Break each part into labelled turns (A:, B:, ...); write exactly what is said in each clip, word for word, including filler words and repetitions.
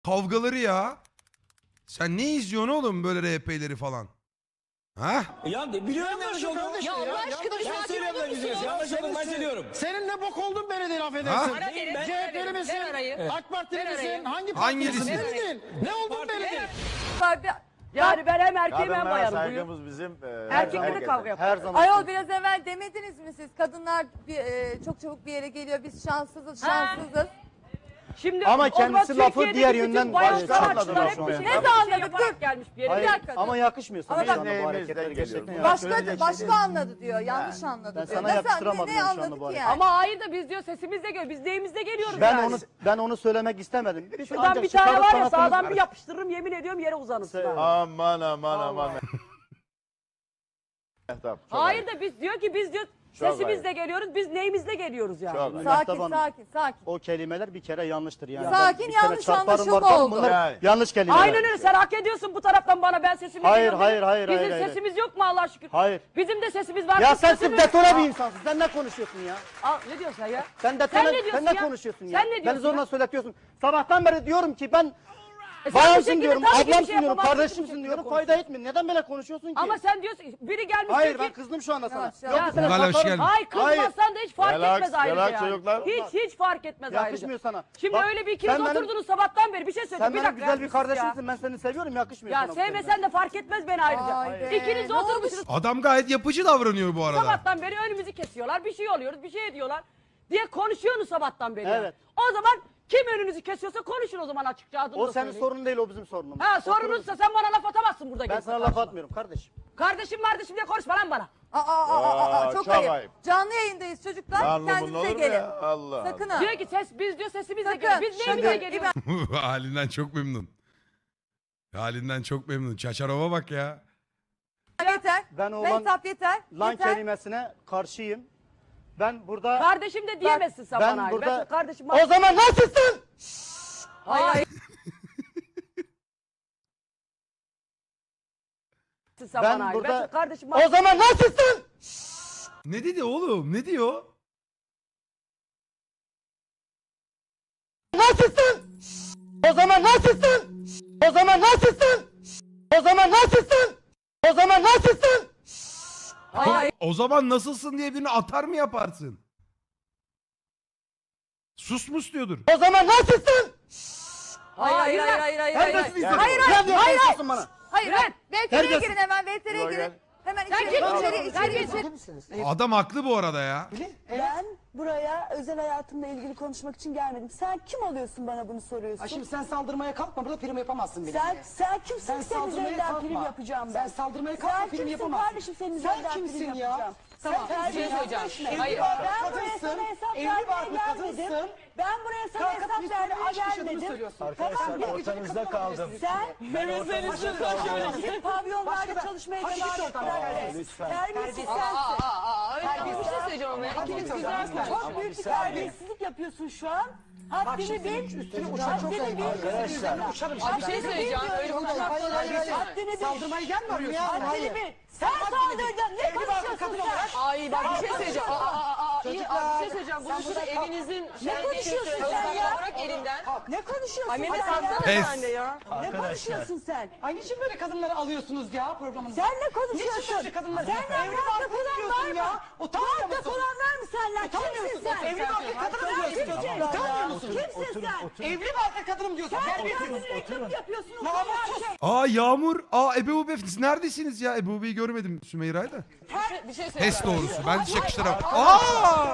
A: kavgaları ya. Sen ne izliyorsun oğlum böyle R P'leri falan? Ha?
B: Ya ne biliyorum yanlış olduğunu.
C: Ya Allah aşkına bir
B: Ben
C: sakin
B: söylüyorum
C: olur
B: da
C: musun?
B: güzel. Yanlış olduğunu ben söylüyorum.
D: Senin ne bok oldun beni de laf
A: Ha?
D: edersin.
C: Ara derim,
D: C H P'li
C: ver
D: misin?
C: arayı.
D: AK Partili
C: Ver
D: misin?
C: arayı.
D: Hangi
A: Hangisi?
D: partilisin? Belli değil. Ne oldun belli değil.
C: Yani ben hem erkeğim hem
E: Kadınlara
C: bayanım. Buyur.
E: saygımız bizim. E,
C: Erkekle de
E: herkese.
C: kavga yapar.
E: Her zaman.
F: Ayol biraz evvel demediniz mi siz? Kadınlar bir, e, çok çabuk bir yere geliyor. Biz şanssızız, şanssızız.
C: Şimdi
G: Ama
C: o zaman
G: kendisi lafı
C: Türkiye'deki
G: diğer
C: bütün
G: yönden
C: bayan
G: başka
C: sanatçılar
G: anladılar
C: hep
G: şu
C: bir
G: an.
C: şey
F: Ne
C: yaparak
F: anladık?
C: yaparak gelmiş bir yere.
G: Hayır,
F: Bir dakika.
G: ama yakışmıyor sana
F: Ama
G: şu
F: bak-
G: anda bu
E: Neyimizden
G: hareketler
E: geliyoruz.
G: gerçekten.
E: Başka-
F: Başka
E: Söyleyecek
F: başka
E: şey değil.
F: anladı diyor. Yanlış anladı
G: Ben
F: diyor.
G: sana
F: Nasıl-
G: yakıştıramadım
F: ne, ne
G: şu anda
F: anladık
G: bu
F: ki
G: hareketi.
F: yani?
C: Ama hayır da biz diyor sesimizle geliyoruz. Biz neyimizle geliyoruz
G: Ben
C: yani.
G: onu ben onu söylemek istemedim. Biz
C: Şuradan
G: ancak
C: bir tane
G: çıkarıp
C: var ya
G: sanatımız-
C: sağdan bir yapıştırırım yemin ediyorum yere uzanırsın. ha.
E: Aman aman aman. Tamam, çok
C: Hayır
E: ayıp.
C: da biz diyor ki biz diyor
E: Çok
C: sesimizle geliyoruz. Biz neyimizle geliyoruz yani.
E: Çok ayıp.
F: Sakin,
G: Mehtap Hanım,
F: sakin, sakin.
G: O kelimeler bir kere yanlıştır yani.
F: Sakin,
G: Ben bir kere
F: yanlış
G: çarparım
F: anlaşılma
G: varken
F: oldu.
G: bunlar
E: Yani.
G: yanlış kelimeler.
C: Aynen öyle sen hak ediyorsun bu taraftan bana ben sesimle
G: Hayır,
C: geliyorum.
G: hayır, hayır,
C: Bizim
G: hayır, hayır.
C: sesimiz yok mu Allah şükür?
G: Hayır.
C: Bizim de sesimiz var.
G: Ya
C: Biz
G: sen
C: sesimiz-
G: sırf detone bir insansın. Sen ne konuşuyorsun ya?
C: Aa, ne diyorsun sen ya?
G: Sen detone,
C: Sen ne diyorsun
G: sen ne
C: ya?
G: konuşuyorsun ya?
C: Sen ne
G: Beni
C: diyorsun
G: zorla
C: ya?
G: söyletiyorsun. Sabahtan beri diyorum ki ben
C: E sen bu
G: bayansın
C: şekilde
G: diyorum,
C: tabii ki bir
G: ablamsın
C: şey
G: diyorum,
C: yapamazsın, bu
G: kardeşimsin
C: şekilde
G: diyorum.
C: konuşuyorsun.
G: Fayda etmiyor. Neden böyle konuşuyorsun ki?
C: Ama sen diyorsun biri gelmiş
G: Hayır
C: diyor
G: ben
C: ki
G: kızdım şu anda sana.
F: Yavaş,
G: Yok
F: yavaş.
G: bir sene
A: Gala hoş
G: satarım.
A: geldin.
C: ay kızmazsan da hiç fark
E: Relax,
C: etmez ayrıca
E: relax
C: yani.
E: çocuklar.
C: Hiç hiç fark etmez ayrıca.
G: Yakışmıyor sana.
C: Şimdi
G: Bak,
C: öyle bir ikiniz
G: sen benim-
C: oturdunuz sabahtan beri bir şey söyleyeyim.
G: Sen
C: bir
G: benim
C: dakika
G: güzel bir
C: sus ya.
G: kardeşimsin. Ben seni seviyorum. Yakışmıyor
C: Ya
G: sana bu kelime.
C: sevmesen de fark etmez beni ayrıca.
F: Vay be,
C: İkiniz de
F: ne olmuş?
C: oturmuşsunuz
A: Adam gayet yapıcı davranıyor bu arada.
C: sabahtan beri önümüzü kesiyorlar. Bir şey oluyoruz, bir şey ediyorlar diye konuşuyorsunuz sabahtan beri.
G: Evet.
C: O zaman kim önünüzü kesiyorsa konuşun o zaman açıkça adını
G: O
C: da
G: senin
C: söyleyin.
G: sorunun değil, o bizim sorunumuz.
C: Ha
G: O
C: sorunuzsa sen bana laf atamazsın burada.
G: Ben
C: gelip
G: sana laf
C: karşıma.
G: atmıyorum kardeşim.
C: Kardeşim kardeşim diye konuşma lan bana.
F: Aa, aa, aa, aa, aa,
E: Aa,
F: çok,
E: çok
F: ayıp.
E: ayıp.
F: Canlı yayındayız çocuklar.
E: Lan bunun olur
F: Kendinize
E: mu
F: gelin.
E: ya? Allah
F: Sakın
E: Allah.
F: ha.
C: Diyor ki ses biz diyor sesimizle
F: Sakın.
C: geliyor. Biz neyimize
G: Şimdi-
C: geliyoruz?
A: Halinden çok memnun. Halinden çok memnun. Çaçarova bak ya.
F: Yeter.
G: Ben o lan,
F: Mehtap yeter.
G: lan
F: yeter.
G: kelimesine karşıyım. Ben burada...
C: Kardeşim de diyemezsin sen
G: ben
C: bana. hayır.
G: burada-
C: Ben kardeşim
G: O zaman nasılsın?
C: Hayır. hayır. sen
G: Ben
C: bana. hayır.
G: burada-
C: Ben kardeşim
G: O zaman nasılsın?
A: Ne dedi oğlum? Ne diyor?
G: Nasılsın? O zaman nasılsın? O zaman nasılsın? O zaman nasılsın? O zaman nasılsın?
C: Hayır.
A: O zaman nasılsın diye birini atar mı yaparsın? Sus mus diyordur.
G: O zaman nasılsın?
F: Hayır, hayır, hayır, hayır, hayır, hayır.
G: Terbiyesiz
F: Hayır,
G: insan.
F: hayır,
G: Ne
F: hayır,
G: diyorsun
F: hayır,
G: konuşuyorsun bana?
F: hayır, hayır. V T R'ye
G: Terbiyesiz.
F: girin hemen, V T R'ye
E: Buraya
F: girin.
E: gel.
F: Hemen
C: Sen
F: içeri,
C: kim?
F: içeri, içeri, içeri.
H: misiniz?
A: Adam haklı bu arada ya.
H: Ben buraya özel hayatımla ilgili konuşmak için gelmedim. Sen kim oluyorsun bana bunu soruyorsun?
D: Ha şimdi sen saldırmaya kalkma, burada prim yapamazsın beni.
H: sen sen kimsin
D: Sen
H: ki senin
D: saldırmaya
H: üzerinden
D: kalkma.
H: prim yapacağım ben?
D: Sen saldırmaya kalkma,
H: Sen
D: prim
H: kimsin
D: yapamazsın.
H: kardeşim senin
D: Sen
H: üzerinden
D: kimsin
H: prim
D: ya?
H: yapacağım?
D: Tamam,
H: Sen
D: bir şey
H: terbiyesiz
C: söyleyeceğim.
H: konuşma.
C: Hayır.
H: Ben buraya
D: Kadınsın,
H: sana hesap
D: evli
H: vermeye
D: barklı
H: gelmedim.
D: kadınsın.
H: Ben buraya sana
D: Kalkıp
H: hesap
D: bir
H: vermeye
D: sürü iş yaşadığını
H: gelmedim.
D: söylüyorsun.
H: Tamam, bir
E: ortanızda kaldım.
H: sen pavyonlarda çalışmaya
D: Hadi git
H: devam
D: oradan.
H: et.
E: Lütfen.
H: Terbiyesiz sensin.
C: Bir şey söyleyeceğim ama. İkiniz güzelsiniz.
H: Çok büyük bir terbiyesizlik yapıyorsun şu an. Haddini bil.
D: Üstüne uçan çok ayıp.
E: Arkadaşlar.
D: Uçarım
C: Abi bir şey söyleyeceğim. Öyle uçak
H: Haddini bil.
D: Saldırmaya gelme arıyorsun.
H: Haddini bil. Sen saldıracaksın. Ne konuşuyorsun sen?
C: Ay bak bir şey söyleyeceğim. Aa, aa, aa, iyi, abi bir şey söyleyeceğim. Bunu şurada evinizin
H: Ne konuşuyorsun sen ya?
C: bırak elinden.
H: Ne konuşuyorsun
C: Ay
H: sen
C: Mehmet
H: ya?
C: alsana
A: Pes.
C: sen de ya.
H: Ne konuşuyorsun sen?
D: Ay niçin böyle kadınları alıyorsunuz ya programınıza?
H: Sen ne
D: Niçin
H: konuşuyorsun?
D: böyle kadınları?
H: Sen
D: Evli
H: evli
D: barklı
H: barklı olan
D: diyorsun
H: var
D: ya.
H: mı?
D: Utanmıyor
H: Barklı
D: musun?
H: olan var mı senden?
D: Utanmıyor
H: Kimsin
D: musun?
H: sen?
D: Evli barklı kadınım
H: Sen
D: diyorsun.
H: kimsin?
D: Utanmıyor musun?
H: Kimsin sen?
D: Evli barklı kadınım diyorsun.
H: Sen
D: Terbiyesiz.
H: kendini reklam yapıyorsun.
D: Namussuz.
A: Aa Yağmur. Aa Ebe Ube. Siz neredesiniz ya? Ebe Ube'yi görmedim Sümeyra'yı da.
C: Bir şey söyleyeceğim.
A: Pes doğrusu. Ben çakıştıram. Aa!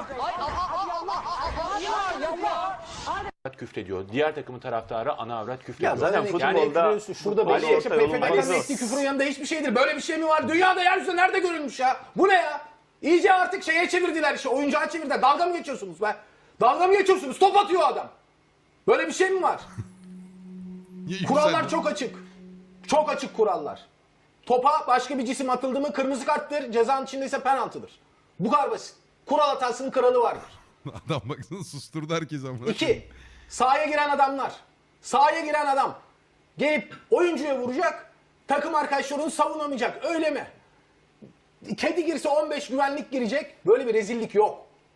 I: Küfrediyor. Diğer takımın taraftarı ana avrat küfrediyor.
E: Ya zaten futbolda
B: Şurada
E: Ali
B: beş yaşında
E: Ortayol'un
B: P F K'nın
E: bazı-
B: ettiği küfrün yanında hiçbir şeydir. Böyle bir şey mi var? Dünyada yeryüzünde nerede görülmüş ya? Bu ne ya? İyice artık şeye çevirdiler işte. Oyuncağa çevirdiler. Dalga mı geçiyorsunuz be? Dalga mı geçiyorsunuz? Top atıyor adam. Böyle bir şey mi var?
A: Niye
B: Kurallar
A: yükseldin?
B: çok açık. Çok açık kurallar. Topa başka bir cisim atıldı mı kırmızı karttır. Cezanın içinde ise penaltıdır. Bu kadar basit. Kural hatasının kralı vardır.
A: Adam baksana susturdu herkes ama.
B: İki, sahaya giren adamlar. Sahaya giren adam gelip oyuncuya vuracak, takım arkadaşlarını savunamayacak. Öyle mi? Kedi girse on beş güvenlik girecek. Böyle bir rezillik yok.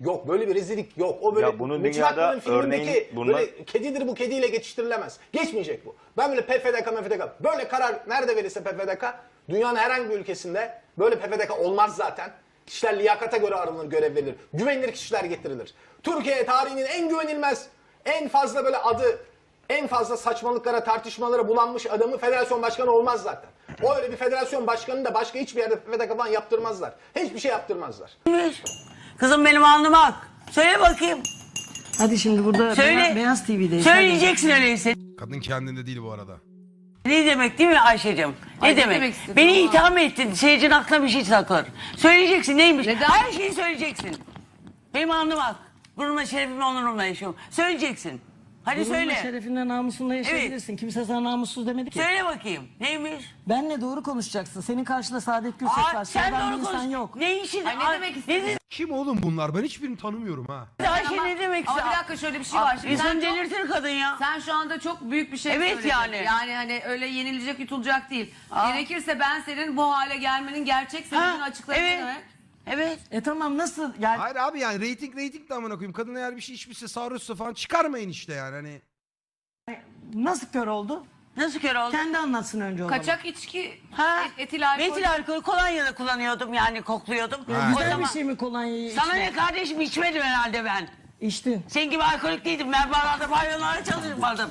B: Yok böyle bir rezillik yok. O böyle
E: Ya bunun
B: Metin
E: dünyada
B: Akpınar'ın filmindeki
E: örneğin bunlar-
B: böyle kedidir bu kediyle geçiştirilemez. Geçmeyecek bu. Ben böyle P F D K, M F D K böyle karar nerede verirse P F D K dünyanın herhangi bir ülkesinde böyle P F D K olmaz zaten. Kişiler liyakata göre aranır, görev verilir. Güvenilir kişiler getirilir. Türkiye tarihinin en güvenilmez, en fazla böyle adı, en fazla saçmalıklara, tartışmalara bulanmış adamı federasyon başkanı olmaz zaten. O öyle bir federasyon başkanını da başka hiçbir yerde P F D K falan yaptırmazlar. Hiçbir şey yaptırmazlar.
C: Kızım benim alnıma ak. Söyle bakayım.
D: Hadi şimdi burada
C: Söyle.
D: Beyaz, Beyaz T V'deyiz.
C: Söyleyeceksin öyleyse.
A: Kadın kendinde değil bu arada.
C: Ne demek değil mi Ayşe'cim? Ne
F: Ay, ne
C: demek?
F: demek istedin
C: Beni
F: ama?
C: itham ettin. Seyircinin aklına bir şey takılır. Söyleyeceksin neymiş?
F: Neden?
C: Her şeyi söyleyeceksin. Benim alnıma ak. Gururumla, şerefimle, onurumla yaşıyorum. Söyleyeceksin. Hadi
D: Gururunla,
C: söyle.
D: şerefinle, namusunla yaşayabilirsin. Kimse sana namussuz demedi ki.
C: Söyle bakayım. Neymiş?
D: Benle doğru konuşacaksın. Senin karşında Saadet Gürses
C: Aa,
D: var.
C: sen
D: Sıradan bir
C: doğru
D: insan
C: konuş.
D: yok.
C: Ne işin?
F: Ay, ne
C: Ay,
F: demek
C: Ne
F: istedin?
C: dedi
A: Kim oğlum bunlar? Ben hiçbirini tanımıyorum ha.
C: Ayşe ne demek?
F: Ama bir dakika şöyle bir şey var. Şimdi sen,
C: İnsanı
F: çok-
C: delirtir kadın ya.
F: sen şu anda çok büyük bir şey
C: Evet
F: söyledin.
C: yani.
F: Yani hani öyle yenilecek yutulacak değil.
C: Aa.
F: Gerekirse ben senin bu hale gelmenin gerçek sebebini
C: Ha,
F: açıklayayım.
C: evet.
F: Evet.
C: Evet.
D: E tamam nasıl? Yani
A: Hayır abi yani reyting reyting de amına koyayım. Kadın eğer bir şey içmişse sarhoşsa falan çıkarmayın işte yani hani.
D: nasıl kör oldu?
C: Nasıl kör oldu?
D: Kendi anlatsın önce o zaman.
F: Kaçak içki,
C: Ha?
F: et- etil alkol.
C: Metil alkolü kolonya da kullanıyordum yani kokluyordum.
A: Ha.
C: O
D: Güzel
C: zaman
D: bir şey mi kolonyayı
C: sana
D: içmek?
C: ne kardeşim içmedim herhalde ben.
D: İçtin.
C: Senin gibi alkolik değildim. Ben barlarda pavyonlarda çalışmadım.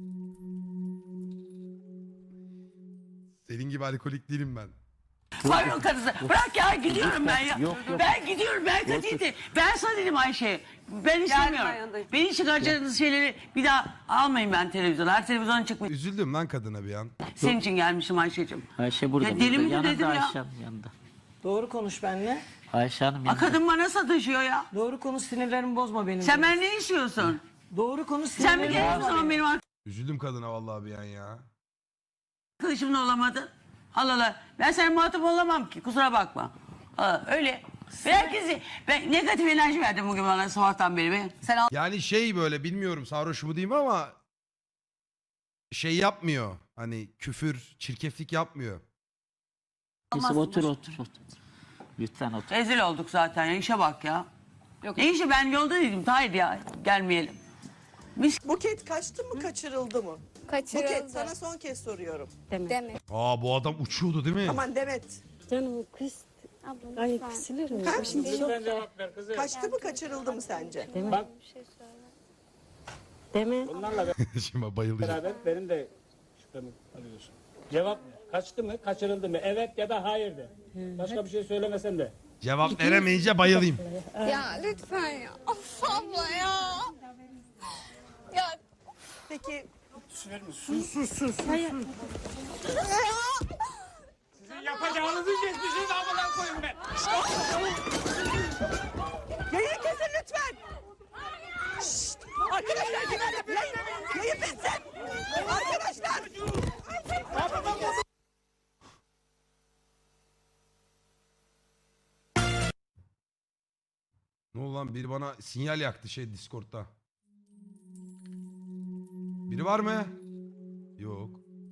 A: Senin gibi alkolik değilim ben.
C: Pavyon kadısı. Bırak ya gidiyorum ben ya. Ben gidiyorum ben kötüydü. Ben sana dedim Ayşe. Ben istemiyorum.
F: yanındayım.
C: Beni çıkaracağınız şeyleri bir daha almayın ben televizyona. Her televizyona çıkmayın.
A: Üzüldüm lan kadına bir an.
C: Senin için gelmişim Ayşe'cim.
J: Ayşe burada.
C: Ya deli
J: burada.
C: mi
J: Yanında
C: dedim ya?
J: Ayşe Hanım yanında.
D: Doğru konuş benimle.
J: Ayşe Hanım
C: A
J: yanında.
C: kadın bana sataşıyor ya.
D: Doğru konuş, sinirlerimi bozma benim.
C: Sen
D: de.
C: ben ne istiyorsun?
D: Doğru konuş,
C: Sen bir
D: sinirlerimi
C: kere o
D: bozma
C: zaman
D: benim.
C: benim
A: Üzüldüm kadına vallahi bir an ya.
C: arkadaşımla olamadın. Allah Allah. Ben senin muhatap olamam ki. Kusura bakma. Aa, öyle. Ben herkesi, ben negatif enerji verdim bugün bana sabahtan beri. Ben. Sen al.
A: Yani şey böyle bilmiyorum sarhoş mu diyeyim ama şey yapmıyor. Hani küfür, çirkeflik yapmıyor.
J: Yusuf otur otur otur. Lütfen otur.
C: Rezil olduk zaten ya. İşe bak ya. Yok. Ne işi ben yolda dedim. Hayır ya gelmeyelim. Mis
K: Buket kaçtı mı kaçırıldı mı?
F: Kaçırıldı.
K: Buket sana son kez soruyorum.
F: Demek.
A: Aa bu adam uçuyordu değil mi?
K: Aman Demet.
H: Canım kız. Ay kısılırım.
K: Ha?
J: Lütfen cevap ver kızım.
K: Kaçtı mı kaçırıldı mı sence?
H: Deme.
J: Bunlarla
A: Şimdi bayılacağım.
J: beraber benim de şüphemi alıyorsun. Cevap ver. Kaçtı mı kaçırıldı mı? Evet ya da hayır de. Başka bir şey söylemesen de.
A: Cevap veremeyince bayılayım.
F: Ya lütfen ya. Of abla ya. Ya
K: Peki
J: Yapacağınızı geçmişiniz amına koyun be.
K: yayını kesin lütfen. Şşt! Arkadaşlar yayın, yayın bitsin. Arkadaşlar.
A: Ne oldu lan biri bana sinyal yaktı şey Discord'da. Biri var mı? Yok.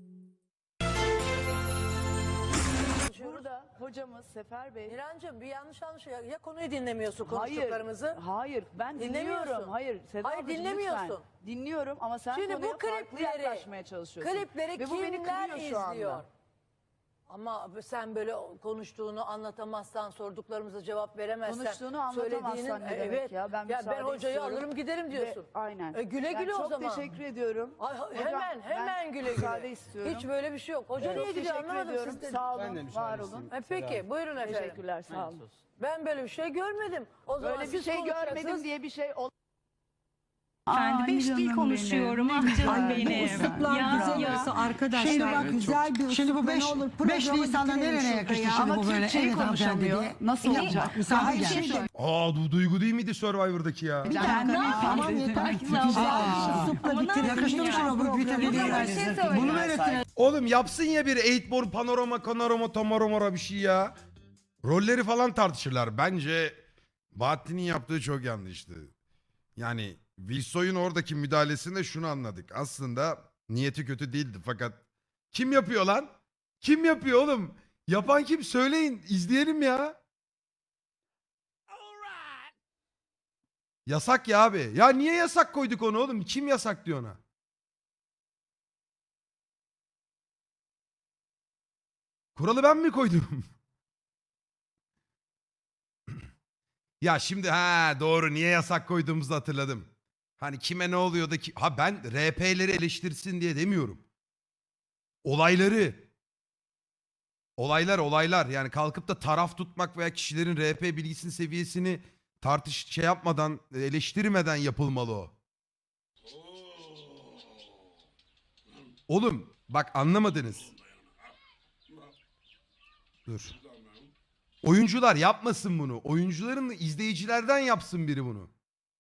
H: Burada hocamız Sefer Bey.
C: İrancığım bir yanlış anlaş ya, ya konuyu dinlemiyorsun
H: Hayır,
C: konuştuklarımızı.
H: hayır ben
C: Dinlemiyorsun.
H: dinliyorum. Hayır, Seda
C: Hayır,
H: ablacığım,
C: dinlemiyorsun.
H: lütfen. Dinliyorum ama sen
C: Şimdi bu
H: konuya farklı
C: klipleri-
H: yaklaşmaya çalışıyorsun.
C: Klipleri
H: Ve bu beni
C: kimler
H: kırıyor şu anda.
C: izliyor? Ama sen böyle konuştuğunu anlatamazsan, sorduklarımıza cevap veremezsen,
H: Konuştuğunu anlatamazsan
C: söylediğinin-
H: ne demek
C: evet,
H: ya? Ben müsaade
C: hocayı
H: istiyorum.
C: alırım giderim diyorsun.
H: Ve- aynen.
C: E, güle
H: Ben
C: güle o
H: çok
C: zaman.
H: teşekkür ediyorum.
C: Ay, ha-
H: Hocam,
C: hemen
H: ben
C: hemen güle güle.
H: müsaade istiyorum.
C: Hiç böyle bir şey yok. Hoca
H: Çok
C: niye gidiyor
H: teşekkür
C: anlamadım
H: ediyorum.
C: sizden.
H: Sağ olun, var olun.
C: E, peki buyurun efendim.
H: Teşekkürler, sağ olun.
C: Ben böyle bir şey görmedim. O zaman
H: Böyle bir
C: siz
H: şey
C: konuşacaksınız.
H: görmedim diye bir şey ol.
L: Ben beş dil konuşuyorum. Ah canım benim.
D: güzel olsa
L: arkadaşlar.
D: Şimdi bak güzel bir Şimdi bu beş, beş Nisan'da nereye yakıştı şimdi bu böyle? Evet konuşamıyor.
H: Nasıl olacak?
D: Misafir gelmiş.
A: Aa du Duygu değil miydi Survivor'daki ya?
D: Tamam yeter. Yakıştı mı sana bu vitamini? Bunu mu öğrettiler?
A: Oğlum yapsın ya bir eightborn panorama panorama tamaromara bir şey ya. Rolleri falan tartışırlar. Bence Bahattin'in yaptığı çok yanlıştı. Yani Wilsoy'un oradaki müdahalesinde şunu anladık. Aslında niyeti kötü değildi fakat kim yapıyor lan? Kim yapıyor oğlum? Yapan kim? Söyleyin. İzleyelim ya. Yasak ya abi. Ya niye yasak koyduk onu oğlum? Kim yasak diyor ona? Kuralı ben mi koydum? Ya şimdi ha doğru, niye yasak koyduğumuzu hatırladım. Hani kime ne oluyor da ki... Ha ben R P'leri eleştirsin diye demiyorum. Olayları. Olaylar olaylar. Yani kalkıp da taraf tutmak veya kişilerin R P bilgisinin seviyesini tartış şey yapmadan, eleştirmeden yapılmalı o. Oğlum bak anlamadınız. Dur. Oyuncular yapmasın bunu. Oyuncuların da izleyicilerden yapsın biri bunu.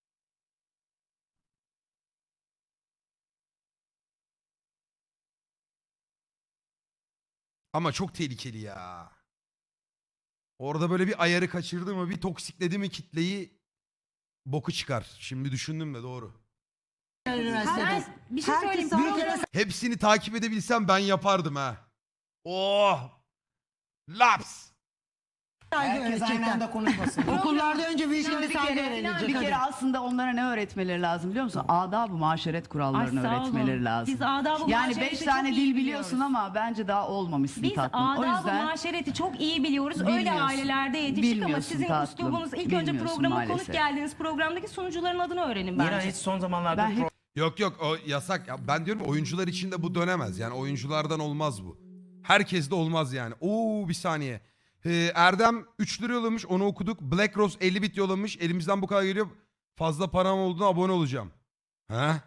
A: Ama çok tehlikeli ya. Orada böyle bir ayarı kaçırdı mı, bir toksikledi mi kitleyi, boku çıkar. Şimdi düşündüm de doğru.
L: Ben bir şey söyleyeyim.
D: Herkes
A: Hepsini takip edebilsem ben yapardım ha. Oh! Laps!
D: saygı öğretecekler.
G: konuşmasın.
D: Okullarda önce büyüklerine
L: Bir
D: saygı
L: kere-
D: öğrenilecek.
L: bir
D: hadi.
L: kere
G: aslında onlara ne öğretmeleri lazım biliyor musun? Adab-ı maşeret kurallarını
L: Ay, sağ olun.
G: öğretmeleri lazım.
L: Biz adab-ı
G: yani
L: maşereti
G: beş
L: çok
G: tane
L: iyi
G: dil
L: biliyoruz.
G: biliyorsun ama bence daha olmamışsın
L: Biz
G: tatlım. O
L: adab-ı
G: yüzden
L: maşereti çok iyi biliyoruz. Öyle
G: Bilmiyorsun.
L: ailelerde yetiştik ama
G: Bilmiyorsun
L: sizin
G: tatlım.
L: üslubunuz ilk önce
G: Bilmiyorsun
L: programa konuk
G: maalesef.
L: geldiğiniz programdaki sunucuların adını öğrenin bence.
E: İran hiç son zamanlarda
G: ben hiç
A: Yok yok o yasak. Ya ben diyorum oyuncular için de bu dönemez. Yani oyunculardan olmaz bu. Herkes de olmaz yani. Oo bir saniye. Ee, Erdem üç lira yollamış, onu okuduk. Black Rose elli bit yollamış. Elimizden bu kadar geliyor. Fazla param olduğuna abone olacağım. Ha?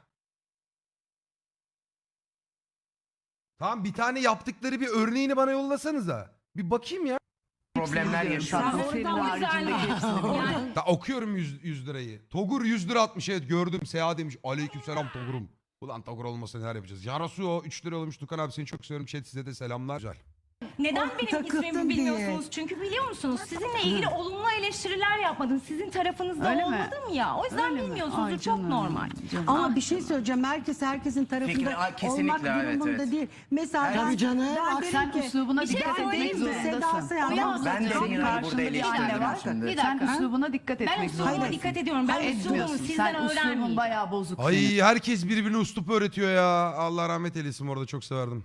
A: Tamam bir tane yaptıkları bir örneğini bana yollasanıza. Bir bakayım ya.
E: problemler
G: biliyorum
E: yaşıyor.
G: tatlım.
L: Sen
G: Senin
L: oradan
G: haricindeki
L: güzel-
G: hepsini biliyorum.
L: Yani
A: Da okuyorum yüz lirayı. Togur yüz lira atmış, evet gördüm. Seha demiş. Aleykümselam Togur'um. Ulan Togur olmasa neler yapacağız. Yarasuo üç lira olmuş. Tukan abi seni çok seviyorum. Chat size de selamlar. Güzel.
L: neden benim
D: takıldın
L: ismimi
D: diye.
L: bilmiyorsunuz? Çünkü biliyor musunuz? Sizinle ilgili olumlu eleştiriler yapmadım. Sizin tarafınızda
G: Öyle mi?
L: olmadım ya. O yüzden
G: Öyle mi?
L: bilmiyorsunuzdur.
G: Ay
L: Çok
G: canım,
L: normal.
G: canım.
D: Ama bir şey söyleyeceğim. Herkes herkesin tarafında
E: Fikri- Ay, kesinlikle,
D: olmak
E: evet,
D: durumunda
E: evet.
D: değil. Mesela ben,
G: Tabii canım.
D: ben
G: Bak
D: derim
G: sen
D: ki,
G: üslubuna
L: bir şey
G: dikkat etmek
L: söyleyeyim mi?
G: zorundasın.
D: Seda Sayan,
L: Ya,
D: ben
E: Ben de
L: Çok
E: Mira'yı
G: karşında
E: burada
G: bir
E: eleştireceğim
G: anne var.
E: şimdi.
L: Bir
G: Sen
L: dakika.
G: üslubuna dikkat
L: Ben
G: etmek
L: üslubuma
G: zorundasın.
L: dikkat ediyorum. Ben üslubumu
G: Etmiyorsun.
L: sizden
G: Sen üslubun
L: öğrenmeyeyim.
G: bayağı bozuk senin.
A: Ay herkes birbirine uslup öğretiyor ya. Allah rahmet eylesin, orada çok severdim.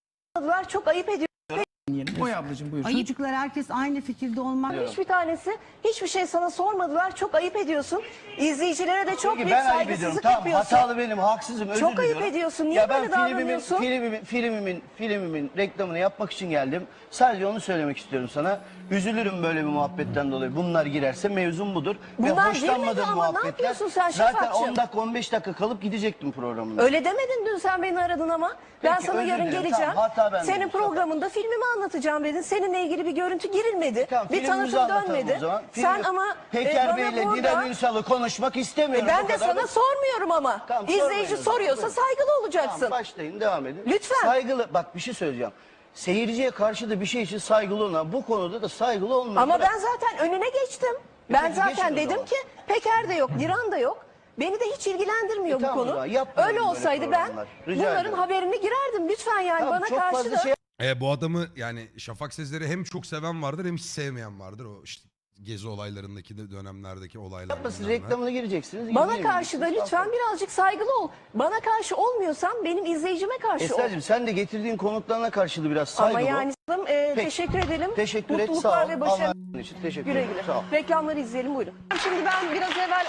H: Çok ayıp ediyor.
E: Oy ablacığım buyur.
D: çocuklar herkes aynı fikirde olmak.
H: Hiçbir tanesi hiçbir şey sana sormadılar. Çok ayıp ediyorsun. İzleyicilere de çok büyük
G: ben ayıp ediyorum.
H: saygısızlık
G: Tamam
H: yapıyorsun.
G: hatalı benim, haksızım, özür
H: Çok ayıp
G: diliyorum.
H: ediyorsun. Niye
G: Ya ben
H: böyle
G: filmimin,
H: davranıyorsun?
G: filmimin, filmimin, filmimin reklamını yapmak için geldim. Sadece onu söylemek istiyorum sana. Üzülürüm böyle bir muhabbetten dolayı. Bunlar girerse mevzum budur.
H: Bunlar
G: Ve hoşlanmadığım
H: girmedi ama ne
G: muhabbetler.
H: yapıyorsun sen
G: Zaten
H: Şafakcığım?
G: on dakika on beş dakika kalıp gidecektim programına.
H: Öyle demedin dün sen beni aradın ama. Ben
G: Peki,
H: sana
G: özür
H: yarın
G: dilerim.
H: geleceğim.
G: Tamam, hata bende.
H: Senin programında filmimi anlatacağım dedin. Seninle ilgili bir görüntü girilmedi.
G: Tamam,
H: bir
G: filmimizi
H: tanıtım
G: anlatalım
H: dönmedi.
G: o zaman.
H: Sen
G: Film-
H: ama e,
G: Peker
H: bana
G: Bey'le
H: burada...
G: Didem Ünsal'ı konuşmak istemiyorum.
H: E, ben
G: O
H: de
G: kadar
H: sana
G: da-
H: sormuyorum ama.
G: Tamam, sormayın
H: İzleyici
G: o zaman.
H: soruyorsa
G: Buyurun.
H: saygılı olacaksın.
G: Tamam, başlayın, devam edin.
H: Lütfen.
G: Saygılı, bak bir şey söyleyeceğim. Seyirciye karşı da bir şey için saygılı olun. Bu konuda da saygılı olmayın.
H: Ama
G: Bırak.
H: ben zaten önüne geçtim. Ben
G: Peki,
H: zaten
G: geçin o
H: dedim
G: zaman.
H: ki Peker de yok, Diran da yok. Beni de hiç ilgilendirmiyor
G: E,
H: bu
G: tamam o
H: konu.
G: zaman, yapmayalım
H: Öyle
G: böyle
H: olsaydı ben
G: programlar. Rica
H: bunların
G: ederim.
H: haberini girerdim. Lütfen yani
G: Tamam,
H: bana
G: çok
H: karşı
G: fazla
H: da.
G: şey
A: E, bu adamı yani Şafak Sezer'i hem çok seven vardır hem hiç sevmeyen vardır. O işte gezi olaylarındaki de dönemlerdeki olaylar.
G: yapmasın.
A: bilmem ne.
G: Reklamına gireceksiniz.
H: Bana
G: girmeyin.
H: karşı da lütfen birazcık saygılı ol. Bana karşı olmuyorsan benim izleyicime karşı ol.
G: Esra'cığım sen de getirdiğin konuklarına karşı da biraz saygılı
H: Ama
G: ol.
H: yani e,
G: Peki.
H: teşekkür edelim.
G: Teşekkür et,
H: Mutluluklar
G: sağ ol.
H: ve başarı.
G: Allah'ın için teşekkür
H: Güle
G: ederim.
H: güle.
G: Sağ ol.
H: Reklamları izleyelim buyurun. Şimdi ben biraz evvel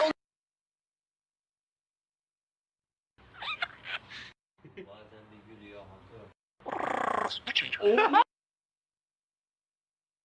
I: Bazen bir gülüyor.